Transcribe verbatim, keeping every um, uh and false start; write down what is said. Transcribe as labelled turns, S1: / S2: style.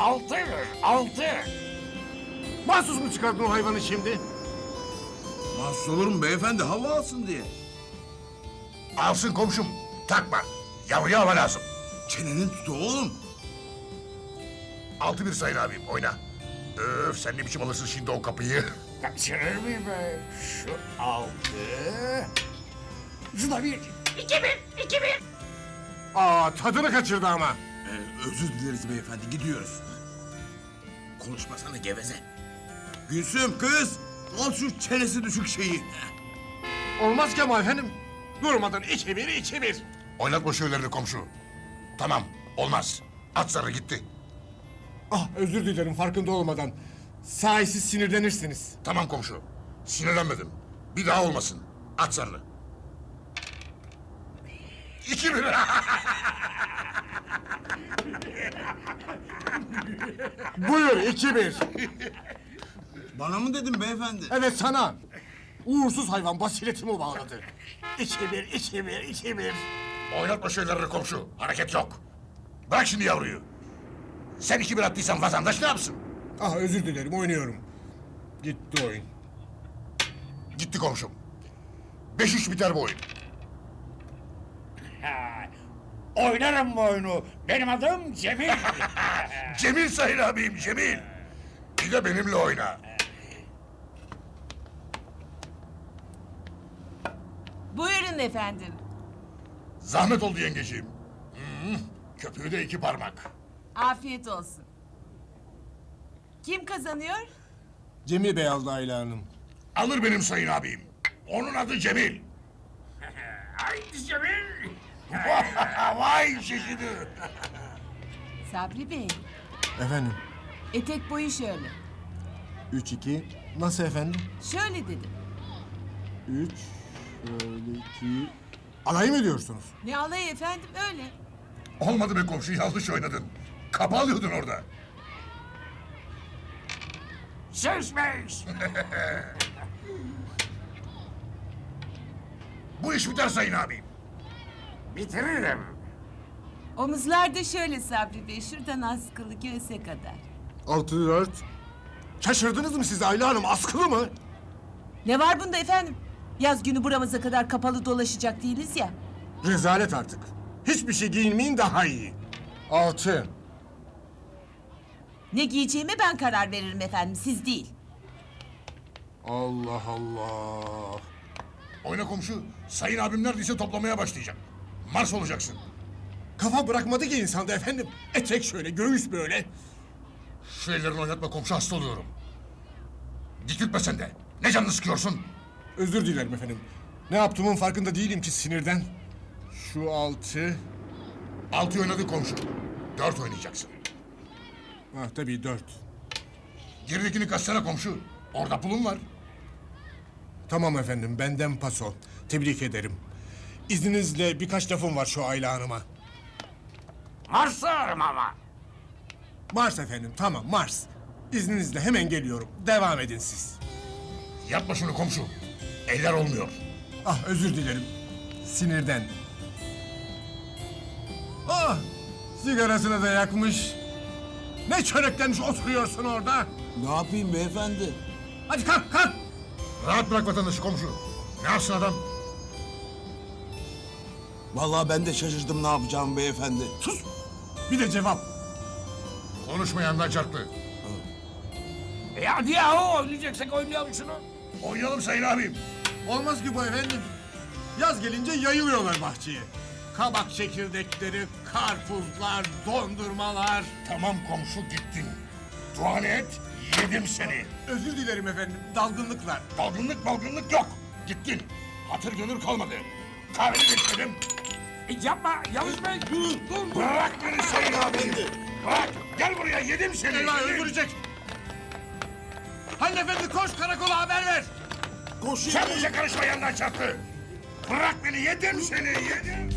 S1: Altı, altı.
S2: Mahsus mu çıkardın o hayvanı şimdi?
S3: Mahsus olur mu beyefendi? Hava alsın diye.
S1: Alsın komşum. Takma. Yavruya hava lazım.
S3: Çenenin tutu oğlum.
S1: Altı bir sayın abim oyna. Öf sen ne biçim alırsın şimdi o kapıyı.
S4: Kaçırır mıyım be? Şu altı. Şu da bir.
S1: İki bir, iki bir.
S2: Aa, tadını kaçırdı ama.
S3: Ee, özür dileriz beyefendi, gidiyoruz. Konuşmasana geveze. Gülsüm kız, al şu çenesi düşük şeyi.
S2: Olmaz ki ama efendim. Durmadan iki bir, iki bir.
S1: Oynatma şöylerini komşu. Tamam olmaz. At zarı gitti.
S2: Ah, özür dilerim farkında olmadan. Sahi siz sinirlenirsiniz.
S1: Tamam komşu. Sinirlenmedim. Bir daha olmasın. At zarını. İki bir.
S2: Buyur, iki bir.
S3: Bana mı dedin beyefendi?
S2: Evet sana. Uğursuz hayvan basiretimi bağladı. İki bir, iki bir, iki bir.
S1: Oynatma şöylerini komşu. Hareket yok. Bırak şimdi yavruyu. Sen iki bir attıysan vatandaş ne yapsın?
S2: Ah, özür dilerim, oynuyorum. Gitti oyun.
S1: Gitti komşum. Beş üç biter bu oyun.
S4: Ha, oynarım bu oyunu. Benim adım Cemil.
S1: Cemil sayın abim Cemil. Bir de benimle oyna.
S5: Buyurun efendim.
S1: Zahmet oldu yengeciğim. Hmm, köpüğü de iki parmak.
S5: Afiyet olsun. Kim kazanıyor?
S2: Cemil Bey aldı Ayla Hanım.
S1: Alır benim sayın abim. Onun adı Cemil.
S4: Haydi Cemil.
S1: Vay şişidi.
S5: Sabri Bey.
S2: Efendim,
S5: Etek boyu şöyle.
S2: üç iki. Nasıl efendim?
S5: Şöyle dedim.
S2: Üç, şöyle iki. Alay mı ediyorsunuz?
S5: Ne alayı efendim öyle.
S1: Olmadı be komşu yanlış oynadın. Kapı alıyordun orada.
S4: Söz beş.
S1: Bu iş biter sayın abim.
S4: Bitiririm.
S5: Omuzlar da şöyle Sabri Bey. Şuradan askılı göğse kadar.
S2: Altı dört. Şaşırdınız mı siz Ayla Hanım? Askılı mı?
S5: Ne var bunda efendim? Yaz günü buramıza kadar kapalı dolaşacak değiliz ya.
S2: Rezalet artık. Hiçbir şey giyinmeyin daha iyi. Altı.
S5: Ne giyeceğime ben karar veririm efendim, siz değil.
S2: Allah Allah.
S1: Oyna komşu. Sayın abim neredeyse toplamaya başlayacak. Mars olacaksın.
S2: Kafa bırakmadı ki insanda efendim. Etek şöyle, göğüs böyle.
S1: Şu ellerini oynatma komşu hasta oluyorum. Dikiltme sen de. Ne canını sıkıyorsun?
S2: Özür dilerim efendim. Ne yaptığımın farkında değilim ki sinirden. Şu altı.
S1: Altı oynadı komşu. Dört oynayacaksın.
S2: Ah tabii dört.
S1: Geridekini kaçsana komşu. Orada pulun var.
S2: Tamam efendim, benden paso. Tebrik ederim. İzninizle birkaç lafım var şu Ayla Hanım'a.
S4: Marslarım ama.
S2: Mars efendim, tamam Mars. İzninizle hemen geliyorum. Devam edin siz.
S1: Yapma şunu komşu. Eller olmuyor.
S2: Ah özür dilerim. Sinirden. Ah! Sigarasını da yakmış. Ne çöreklenmiş oturuyorsun orada?
S3: Ne yapayım beyefendi?
S2: Hadi kalk kalk!
S1: Rahat bırak vatandaşı komşu. Ne yapsın adam?
S3: Vallahi ben de şaşırdım ne yapacağım beyefendi.
S2: Sus! Bir de cevap.
S1: Konuşmayandan çarptı.
S4: E hadi yahu oynayacaksak oynayalım şunu.
S1: Oynayalım sayın abim.
S2: Olmaz ki bu efendim. Yaz gelince yayılıyorlar bahçeye. Kabak çekirdekleri, karpuzlar, dondurmalar.
S1: Tamam komşu gittin. Duanı et, yedim seni.
S2: Özür dilerim efendim, dalgınlıklar.
S1: Dalgınlık balgınlık yok. Gittin. Hatır gönül kalmadı. Kahveni bekledim.
S4: E yapma Yavuz Bey. Dur dur.
S1: Bırak beni sayın abim. Bırak. Gel buraya yedim seni.
S2: Eyvah
S1: yedim.
S2: öldürecek. Halil efendi koş karakola haber ver.
S3: Koşun.
S1: Sen bize karışma yandan çarptı. Bırak beni yedim seni yedim.